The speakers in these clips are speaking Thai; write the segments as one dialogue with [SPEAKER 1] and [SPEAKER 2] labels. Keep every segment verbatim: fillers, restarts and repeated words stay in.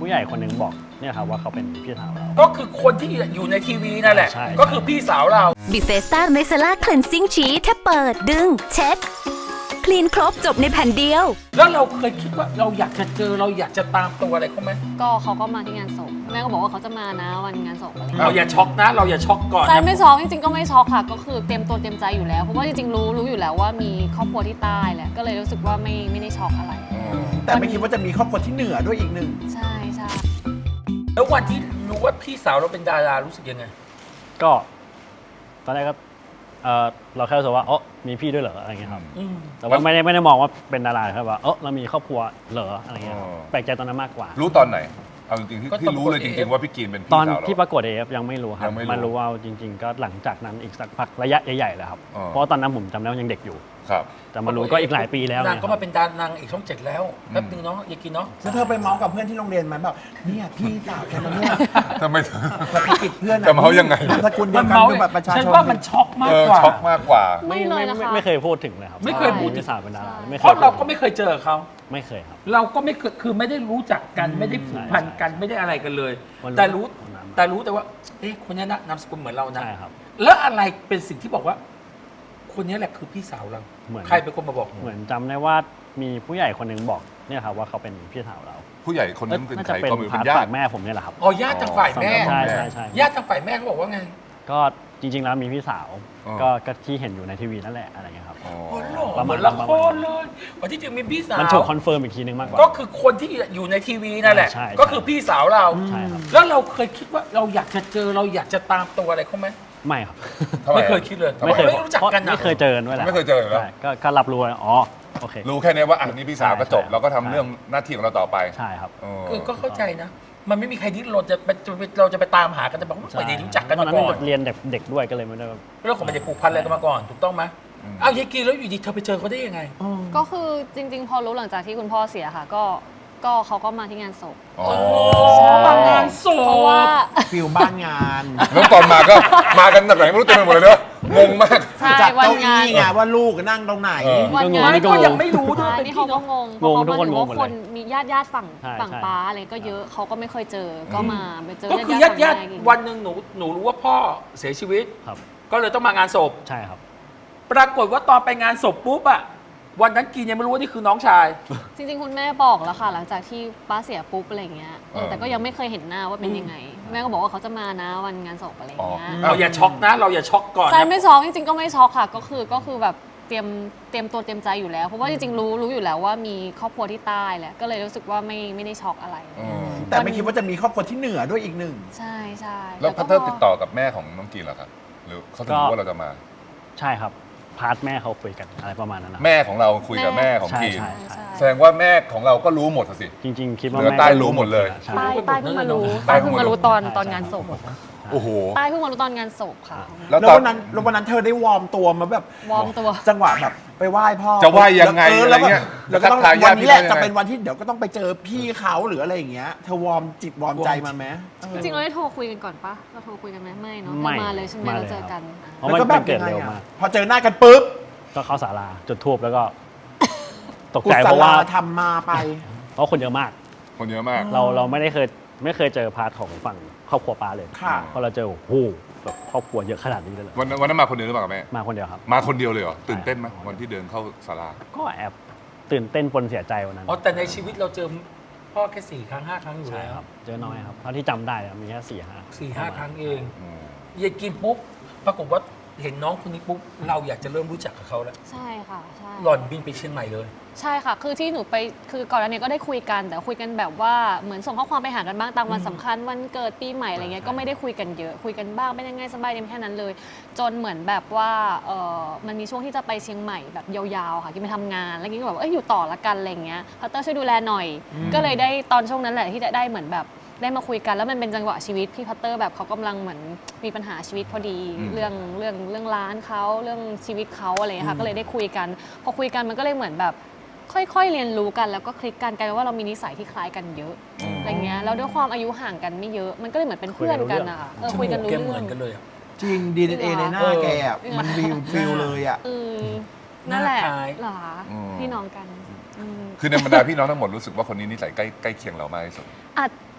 [SPEAKER 1] ผู้ใหญ่คนหนึ่งบอกเนี่ยครับว่าเขาเป็นพี่สาวเรา
[SPEAKER 2] ก็คือคนที่อยู่ในทีวีนั่นแหละ
[SPEAKER 1] ใช่
[SPEAKER 2] ก็คือพี่สาวเรา
[SPEAKER 3] บิเฟสต้าเมซาล่าคลีนซิ่งชีแค่เปิดดึงเช็ดคลีนครบจบในแผ่นเดียว
[SPEAKER 2] แล้วเราเคยคิดว่าเราอยากจะเจอเราอยากจะตามตัวอะไรเขาไหม
[SPEAKER 4] ก็เขาก็มาที่งานศพแม่ก็บอกว่าเขาจะมานะวันงานศพอะไรอย่าง
[SPEAKER 2] เรา
[SPEAKER 4] เงี้ย
[SPEAKER 2] อย่าช็อกนะ เราอย่าช็อกก่อน
[SPEAKER 4] ใจ
[SPEAKER 2] นะ
[SPEAKER 4] ไม่ช็อกจริงๆก็ไม่ช็อกค่ะ ก็คือเตรียมตัวเตรียมใจอยู่แล้วเพราะว่าจริงๆรู้รู้อยู่แล้วว่ามีครอบครัวที่ใต้แหละก็เลยรู้สึกว่าไม่ไม่ได้ช็อกอะไร
[SPEAKER 5] แต่ไม่คิดว่าจะมีครอบครัวที่เหนือด้วยอีกหนึ่ง
[SPEAKER 4] ใช่ใช่
[SPEAKER 2] แล้ววันที่รู้ว่าพี่สาวเราเป็นดารารู้สึกยังไง
[SPEAKER 1] ก็ตอนแรกก็เออเราแค่รู้สึกว่าเออมีพี่ด้วยเหรออะไรเงี้ยครับ
[SPEAKER 2] อืม
[SPEAKER 1] แต่ว่าไม่ได้ไม่ได้มองว่าเป็นดาราครับว่าเออเรามีครอบครัวเหรออะไรเงี้ยครับ
[SPEAKER 6] อ๋อ
[SPEAKER 1] แปลกใจตอนนั้นมากกว่า
[SPEAKER 6] รู้ตอนไหน เอาจริงๆที่
[SPEAKER 2] ก็
[SPEAKER 6] ที่
[SPEAKER 2] ตอน
[SPEAKER 6] รู้เลย
[SPEAKER 2] กด
[SPEAKER 6] จ
[SPEAKER 2] เอฟ
[SPEAKER 6] ริงๆว่าพี่กีนเป็น
[SPEAKER 1] ต
[SPEAKER 6] พี่
[SPEAKER 1] อน
[SPEAKER 6] สาวเรา
[SPEAKER 1] ที่ประกวดเอฟยังไม่รู้ครับ
[SPEAKER 6] ยังไม่รู้
[SPEAKER 1] มันรู้ว่าจริง ๆ ก็หลังจากนั้นอีกสักพักระยะใหญ่ๆแล้วครับ
[SPEAKER 6] อ๋อ
[SPEAKER 1] เพราะว่าตอนนั้นผมจำได้ว่ายังเด็กอยู่
[SPEAKER 6] ครับ
[SPEAKER 1] แต่มารู้ก็อีกหลายปีแล้ว
[SPEAKER 2] นาง
[SPEAKER 1] เย
[SPEAKER 2] ก็
[SPEAKER 1] ครั
[SPEAKER 2] มา
[SPEAKER 1] บ
[SPEAKER 2] เป็นดารานางเอกช่องเจ็ดแล้วแป๊บนึงเนาะอย่ากินเนาะ
[SPEAKER 5] แล้วเธอไปเมาส์กับเพื่อนที่โรงเรียนไหมแบบเนี่ยพี่สาวฉันนะเนี่ย
[SPEAKER 6] ทำไม
[SPEAKER 5] แบบไปกิดเพื่อนอะ
[SPEAKER 6] จะเมาส์ยังไง
[SPEAKER 5] นามสกุลเดี
[SPEAKER 2] มั
[SPEAKER 5] ย
[SPEAKER 2] น
[SPEAKER 5] วกัน
[SPEAKER 2] เมา
[SPEAKER 5] คือแบบประชาชน
[SPEAKER 2] ฉันว่ามันช็อกมา
[SPEAKER 6] เอก อก
[SPEAKER 2] ว่า
[SPEAKER 6] ช็อกมากกว่า
[SPEAKER 4] ไม่เลยนะคะ
[SPEAKER 1] ไม่เคยพูดถึงเลยครับ
[SPEAKER 2] ไม่เคยพูดถึง
[SPEAKER 1] พี่สาวเป็นดาราไม่เค
[SPEAKER 2] เพ
[SPEAKER 1] ย
[SPEAKER 2] ราะเราก็ไม่เคยเจอเขา
[SPEAKER 1] ไม่เคยครับ
[SPEAKER 2] เราก็ไม่เคยคือไม่ได้รู้จักกันไม่ได้ผูกพันกันไม่ได้อะไรกันเลย
[SPEAKER 1] วันรู้
[SPEAKER 2] แต่รู้
[SPEAKER 1] วันนั้น
[SPEAKER 2] แต่รู้แต่ว่าเอ๊ะคนนี้นะนามสกุลเหมือนเรานะ
[SPEAKER 1] ใช่ครับ
[SPEAKER 2] แล้วอะไรเป็นสิ่งที่บอกว่า คนนี้แหละคือพี่สาวเรา
[SPEAKER 1] เหมือน
[SPEAKER 2] ใครเป็นคนมาบอก
[SPEAKER 1] เหมือนจำได้ว่ามีผู้ใหญ่คนหนึ่งบอกเนี่ยครับว่าเขาเป็นพี่สาวเรา
[SPEAKER 6] ผู้ใหญ่คนนั้นเป็น
[SPEAKER 1] น่า
[SPEAKER 6] ใค
[SPEAKER 1] จะ
[SPEAKER 6] ร
[SPEAKER 1] เป็น
[SPEAKER 6] ก็ไม่รู้
[SPEAKER 1] พา
[SPEAKER 6] เป็
[SPEAKER 1] ร์ท
[SPEAKER 6] นญา
[SPEAKER 1] ฝา
[SPEAKER 6] ติ
[SPEAKER 1] กแม่ผมเนี่ยแหละครับ
[SPEAKER 2] อ๋อญาติทางฝ่ายแม่
[SPEAKER 1] ใช่ใช่ใช่
[SPEAKER 2] ญาติทางฝ่ายแม่เขาบอกว่าไง
[SPEAKER 1] ก็จริง ๆ แล้วมีพี่สาว
[SPEAKER 6] อ๋อ
[SPEAKER 1] ก็ก็ที่เห็นอยู่ในทีวีนั่นแหละอะไรเงี้ยครับ
[SPEAKER 6] อ๋อ
[SPEAKER 2] โอ้โหหล่อ
[SPEAKER 1] ประ
[SPEAKER 2] เห
[SPEAKER 1] มา
[SPEAKER 2] มื
[SPEAKER 1] ณ
[SPEAKER 2] อนละครเลยวันที่จริงมีพี่สาว
[SPEAKER 1] มันถูกคอนเฟิร์มอีกทีนึงมากกว่า
[SPEAKER 2] ก็คือคนที่อยู่ในทีวีนั่นแหละ
[SPEAKER 1] ใช่ใช่
[SPEAKER 2] ก็คือพี่สาวเรา
[SPEAKER 1] ใช่ครับ
[SPEAKER 2] แล้วเราเคยคิดว่าเราอยากจะเจอเราอยากจะตามตัวอะไรเขาไหม
[SPEAKER 1] ไม่ครับ
[SPEAKER 6] ทำไม
[SPEAKER 2] ไม่เคยคิดเลย
[SPEAKER 6] ทำไม
[SPEAKER 1] ไม่เคย
[SPEAKER 2] ไม่รู้จักกันนะ
[SPEAKER 1] ไม่เคยเจอกันด้วยแหละ
[SPEAKER 6] ไม่เคยเจอเหรอ
[SPEAKER 1] ใช่ก็ก็รับรู้ว่าอ๋อโอเค
[SPEAKER 6] รู้แค่นี้ว่าอ่ะนี่พี่สาวก็จบ
[SPEAKER 1] ใช่
[SPEAKER 6] เราก็ทำ
[SPEAKER 1] ใช่
[SPEAKER 6] เรื่องหน้าที่ของเราต่อไป
[SPEAKER 1] ใช่ครับ
[SPEAKER 6] อ๋อ
[SPEAKER 2] คือก็เข้าใจนะ มันไม่มีใครที่เราจะไปเราจะไปตามหากันแต่บอกว่าไม่ได้รู้จักกัน
[SPEAKER 1] ตอน
[SPEAKER 2] มา
[SPEAKER 1] นั้น
[SPEAKER 2] ก่อน
[SPEAKER 1] เรียนเด็กเด็กด้วยก็เลยไม่ได้แบบ
[SPEAKER 2] เรื่องของมันจะผูกพันอะไรกันมาก่อนถูกต้องไหมเอายายกีแล้วอยู่ดีเธอไปเจอเขาได้ยังไง
[SPEAKER 4] ก็คือจริง ๆ พอรู้หลังจากที่คุณพ่อเสียค่ะ ก็ก็เขาก็มาที่งานศพ
[SPEAKER 6] อ๋อ
[SPEAKER 2] มางานศพ
[SPEAKER 4] เพราะว่า
[SPEAKER 5] ฟิลบ้านงาน
[SPEAKER 6] แล้วตอนมาก็มากันแบบไหนไม่รู้เต็มไปหมดเลยเนอะงงมาก
[SPEAKER 4] ใช่
[SPEAKER 5] จัด
[SPEAKER 4] วัน
[SPEAKER 5] เก้าง
[SPEAKER 4] าน
[SPEAKER 5] อี้ไงว่าลูกนั่งตรงไหน
[SPEAKER 6] เออ
[SPEAKER 4] วันงาน
[SPEAKER 2] ไม่ก็ยังไม่รู้ด้วย
[SPEAKER 4] ใช่
[SPEAKER 2] เป็น
[SPEAKER 4] นี่
[SPEAKER 2] พี่
[SPEAKER 4] เขาก็
[SPEAKER 2] น้อง
[SPEAKER 4] งงเพราะ
[SPEAKER 1] งง
[SPEAKER 4] เขา
[SPEAKER 1] ทุกคน
[SPEAKER 4] ถือว่าง
[SPEAKER 1] งหมด
[SPEAKER 4] ค
[SPEAKER 1] เลย
[SPEAKER 4] นมีญาติญาติฝั่ง
[SPEAKER 1] ใช่
[SPEAKER 4] ฝั่ง
[SPEAKER 1] ใช่
[SPEAKER 4] ป้าอะไรก็เยอะเขาก็ไม่เคยเจอก็มาไปเจอ
[SPEAKER 2] ก็คือ
[SPEAKER 4] ญา
[SPEAKER 2] ญา
[SPEAKER 4] ติ
[SPEAKER 2] ติ
[SPEAKER 4] ๆ
[SPEAKER 2] ญาติ
[SPEAKER 4] ฝั่งแม่
[SPEAKER 2] วันหนึ่งหนูหนูรู้ว่าพ่อเสียชีวิต
[SPEAKER 1] ครับ
[SPEAKER 2] ก็เลยต้องมางานศพ
[SPEAKER 1] ใช่ครับ
[SPEAKER 2] ปรากฏว่าตอนไปงานศพปุ๊บอะวันนั้นกีนยังไม่รู้ว่านี่คือน้องชาย
[SPEAKER 4] จริงๆคุณแม่บอกแล้วค่ะ หลังจากที่ป้าเสียปุ๊บอะไรอย่างเงี้ย
[SPEAKER 6] เออ
[SPEAKER 4] แต่ก็ยังไม่เคยเห็นหน้าว่าเป็นยังไง แม่ก็บอกว่าเขาจะมานะวันงานศพอะไรอย่างเงี้ย
[SPEAKER 2] เราอย่าช็อกนะ เราอย่าช็อกก่อน
[SPEAKER 4] ใจ
[SPEAKER 2] นะ
[SPEAKER 4] ไม่ช็อกจริงๆก็ไม่ช็อกค่ะก็คือก็คือแบบเตรียมเตรียมตัวเตรียมใจอยู่แล้ว เพราะว่าจริงๆรู้รู้อยู่แล้วว่ามีครอบครัวที่ใต้แหละก็เลยรู้สึกว่าไม่ไม่ได้ช็อกอะไร
[SPEAKER 6] อืม
[SPEAKER 5] แต่ไม่คิดว่าจะมีครอบครัวที่เหนือด้วยอีกหนึ่ง
[SPEAKER 4] ใช่ใช่
[SPEAKER 6] แล้วพัตเตอร์ติดต่อกับแม่ของน้องกีนเหรอครับหรือเขาถึงรู้ว่าเราจะมา
[SPEAKER 1] ใช่ครับพาร์ทแม่เขาคุยกันอะไรประมาณนั้นนะ
[SPEAKER 6] แม่ของเราคุยกับแม่ของ
[SPEAKER 1] ใช่
[SPEAKER 6] กีน
[SPEAKER 1] ใช่
[SPEAKER 4] ใช่
[SPEAKER 6] แสดงว่าแม่ของเราก็รู้หมดสิ
[SPEAKER 1] จริง ๆ คิดว่า
[SPEAKER 6] เหลือ
[SPEAKER 1] แม่
[SPEAKER 6] ใต้
[SPEAKER 1] ก็
[SPEAKER 6] รู้หมดเลย
[SPEAKER 1] ใช่
[SPEAKER 4] ใต้ใต้เพิ่งมารู้
[SPEAKER 6] ใต้
[SPEAKER 4] ใต้
[SPEAKER 6] เพิ่
[SPEAKER 4] เพิ่
[SPEAKER 6] ง
[SPEAKER 4] ง
[SPEAKER 6] มา
[SPEAKER 4] มา
[SPEAKER 6] รู้
[SPEAKER 4] รู้ตอนตอนงานศพ
[SPEAKER 6] โอ้โห
[SPEAKER 4] ใต้เพิ่งมารู้ตอนงานศพค่ะ
[SPEAKER 6] แล้ว
[SPEAKER 5] แล้ว
[SPEAKER 6] ตอน
[SPEAKER 5] วันนั้นแล้ววันนั้นเธอได้วอร์มตัวมาแบบ
[SPEAKER 4] วอร์มตัว
[SPEAKER 5] จังหวะแบบไปไหว้พ่อ
[SPEAKER 6] จะไหว้ยังไง
[SPEAKER 5] ออ
[SPEAKER 6] อะไรเงี้ย
[SPEAKER 5] แล้วก็ต้อง
[SPEAKER 6] ทักทายญา
[SPEAKER 5] วั
[SPEAKER 6] ติ
[SPEAKER 5] น
[SPEAKER 6] พี่
[SPEAKER 5] นี้แหละ
[SPEAKER 6] น้องยังไง
[SPEAKER 5] จะเป็นวันที่เดี๋ยวก็ต้องไปเจอพี่เขาหรืออะไรอย่างเงี้ยเธอวอร์มจิตวอร์มใจมาไหมเออ
[SPEAKER 4] จริงๆเราได้โทรคุยกันก่อนปะเราโทรคุยกันไหมไม่เนาะ
[SPEAKER 1] ไม่
[SPEAKER 4] เรามาเลยใช่ไหม
[SPEAKER 1] มาเลย
[SPEAKER 4] เราเจอกัน
[SPEAKER 1] เพราะ
[SPEAKER 5] แล้ว
[SPEAKER 1] มัน
[SPEAKER 5] ก็แบบ
[SPEAKER 1] เกิ
[SPEAKER 5] ยั
[SPEAKER 1] ด
[SPEAKER 5] งไง
[SPEAKER 1] เร็ว
[SPEAKER 5] อะ
[SPEAKER 1] มาก
[SPEAKER 5] พอเจอหน้ากันปุ๊บ
[SPEAKER 1] ก็เข้าศาลาจุดทูบแล้วก็ ตก
[SPEAKER 5] กุ
[SPEAKER 1] ใจ
[SPEAKER 5] ศ
[SPEAKER 1] เพราะ
[SPEAKER 5] ลา
[SPEAKER 1] ว่า
[SPEAKER 5] ทำมาไป
[SPEAKER 1] เพราะคนเยอะมาก
[SPEAKER 6] คนเยอะมาก
[SPEAKER 1] เราเราไม่ได้เคยไม่เคยเจอพาร์ทของฝั่งครอบครัวป้าเลย
[SPEAKER 5] ค่ะ
[SPEAKER 1] เพราะเราเจอโอ้โหแบบครอบครัวเยอะขนาดนี้เลยเหรอ
[SPEAKER 6] วันนั้นวันนั้นมาคนเดียวหรือเปล่าแม่
[SPEAKER 1] มาคนเดียวครับ
[SPEAKER 6] มาคนเดียวเลยเหรอ ตื่นเต้นไหมวันที่เดินเข้าศาลา
[SPEAKER 1] ก็แอบตื่นเต้นปนเสียใจวันนั้น
[SPEAKER 2] อ๋อแต่ในชีวิตเราเจอพ่อแค่สี่ครั้งห้าครั้งอยู่
[SPEAKER 1] ใช่
[SPEAKER 2] แล้ว
[SPEAKER 1] ครับเจอน้อยครับเท่าที่จำได้อะมีแค่สี่ห้า
[SPEAKER 2] สี่ห้าครั้งเอง
[SPEAKER 6] อืม
[SPEAKER 2] ยายกินปุ๊บปรากฏว่าเห็นน้องคนนี้ปุ๊บเราอยากจะเริ่มรู้จักกับเขาแล้ว
[SPEAKER 4] ใช่ค่ะใช่
[SPEAKER 2] หล่อนบินไปเชียงใหม่เลย
[SPEAKER 4] ใช่ค่ะ คือที่หนูไปคือก่อนหน้านี้ก็ได้คุยกันแต่คุยกันแบบว่าเหมือนส่งข้อความไปหากันบ้างตามวันสำคัญวันเกิดปีใหม่อะไรเงี้ยก็ไม่ได้คุยกันเยอะคุยกันบ้างเป็นยังไงสบายดีแค่นั้นเลย จนเหมือนแบบว่าเออมันมีช่วงที่จะไปเชียงใหม่แบบยาวๆค่ะกินไปทำงานแล้วกินก็แบบว่าเอ้ยอยู่ต่อละกันอะไรเงี้ยพัตเตอร์ช่วยดูแลหน่อย ก็เลยได้ตอนช่วงนั้นแหละที่จะได้เหมือนแบบได้มาคุยกันแล้วมันเป็นจังหวะชีวิตพี่พัตเตอร์แบบเขากำลังเหมือนมีปัญหาชีวิตพอดี
[SPEAKER 6] อืม
[SPEAKER 4] เรื่องเรื่องเรื่องร้านเขาเรื่องชีวิตเขาอะไรอย่างเงี้ยค่ะก็เลยได้คุยกัน พอคุยกันมันก็เลยเหมือนแบบค่อยๆเรียนรู้กันแล้วก็คลิกกันกลายเป็นว่าเรามีนิสัยที่คล้ายกันเยอะ
[SPEAKER 6] อืม
[SPEAKER 4] อะไรเงี้ยแล้วด้วยความอายุห่างกันไม่เยอะ มันก็เลยเหมือนเป็นเพื่อนกันอะค่ะเออคุยกันรู้
[SPEAKER 2] แก
[SPEAKER 4] เรื่
[SPEAKER 2] เหมื
[SPEAKER 4] อ
[SPEAKER 2] อง นกันเลยอะ
[SPEAKER 5] จริง ดี เอ็น เอ ในหน้าแกอะมันวิวฟิลเลยอ่ะ
[SPEAKER 4] อืมนั่นแหละ
[SPEAKER 2] หน้าคล้าย
[SPEAKER 4] เหรอ
[SPEAKER 6] อืม
[SPEAKER 4] พี่น้องกันอืม
[SPEAKER 6] คือในบรรดาพี่น้องทั้งหมดรู้สึกว่าคนนี้นิสัยใกล้ใกล้เคียงเรามากที่สุด
[SPEAKER 4] อาจ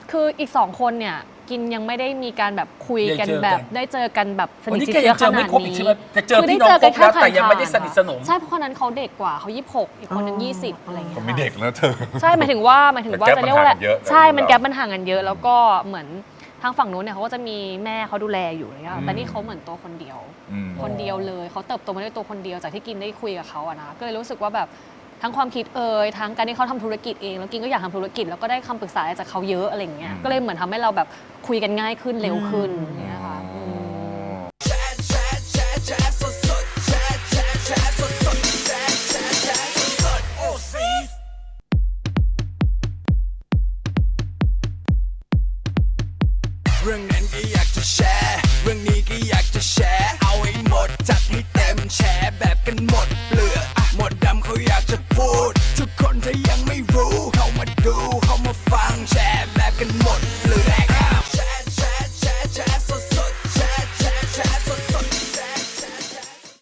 [SPEAKER 4] คืออีกสองคนเนี่ยกินยังไม่ได้มีการแบบคุยกัน
[SPEAKER 2] ได้เจอกัน
[SPEAKER 4] แบบได้เจอกันแบบส
[SPEAKER 2] วัน
[SPEAKER 4] นิท
[SPEAKER 2] นี้
[SPEAKER 4] ชิด
[SPEAKER 2] แกยั
[SPEAKER 4] เชื้อง ข
[SPEAKER 2] เจอไม่
[SPEAKER 4] นาด
[SPEAKER 2] ครบอีก
[SPEAKER 4] นี้
[SPEAKER 2] ใช่ไหมแต่เจอ
[SPEAKER 4] คือ
[SPEAKER 2] พี่
[SPEAKER 4] ได้
[SPEAKER 2] น้อง
[SPEAKER 4] เจอ
[SPEAKER 2] คร
[SPEAKER 4] กัน
[SPEAKER 2] บแล้วแต่ยังไม่ได้
[SPEAKER 4] ผ่านๆ
[SPEAKER 2] สนิทสนม
[SPEAKER 4] ใช่เพราะคนนั้นเขาเด็กกว่าเขายี่สิบหกอีกคนนึงยี่สิบอะไรอย่าง
[SPEAKER 6] ผ
[SPEAKER 4] เงี้
[SPEAKER 6] ม
[SPEAKER 4] ย
[SPEAKER 6] มี
[SPEAKER 4] ค่ะ
[SPEAKER 6] เด็กแล้วเธอ
[SPEAKER 4] ใช่หมายถึงว่าหมายถึงว่า
[SPEAKER 6] แต่
[SPEAKER 4] จะเรียกว่าอะไร
[SPEAKER 6] แก๊ปมันห่างกันเยอะ
[SPEAKER 4] ใช่มัน
[SPEAKER 6] เรา
[SPEAKER 4] แก๊ปมันห่างกันเยอะ แล้วก็เหมือนทางฝั่งนู้นเนี่ยเขาก็จะมีแม่เขาดูแลอยู่อะไรเงี้ยแต่นี่เขาเหมือนตัวคนเดียว
[SPEAKER 6] อืม
[SPEAKER 4] คนเดียวเลยเขาเติบโตมาด้วยตัวคนเดียวจากที่กินได้คุยกับเขาอะนะก็เลยรู้สึกว่าแบบทั้งความคิดเอ่ยทั้งการที่เขาทำธุรกิจเองแล้วกินก็อยากทำธุรกิจแล้วก็ได้คำปรึกษาจากเขาเยอะอะไรอย่างเงี้ย
[SPEAKER 6] อืม
[SPEAKER 4] ก็เลยเหมือนทำให้เราแบบคุยกันง่ายขึ้นเร็วขึ้นอย่างเงี้ยค่ะอืม
[SPEAKER 7] เรื่องนั้นก็อยากจะแชร์ เรื่องนี้ก็อยากจะแชร์ เอาให้หมดจัดให้เต็มแชร์แบบกันหมด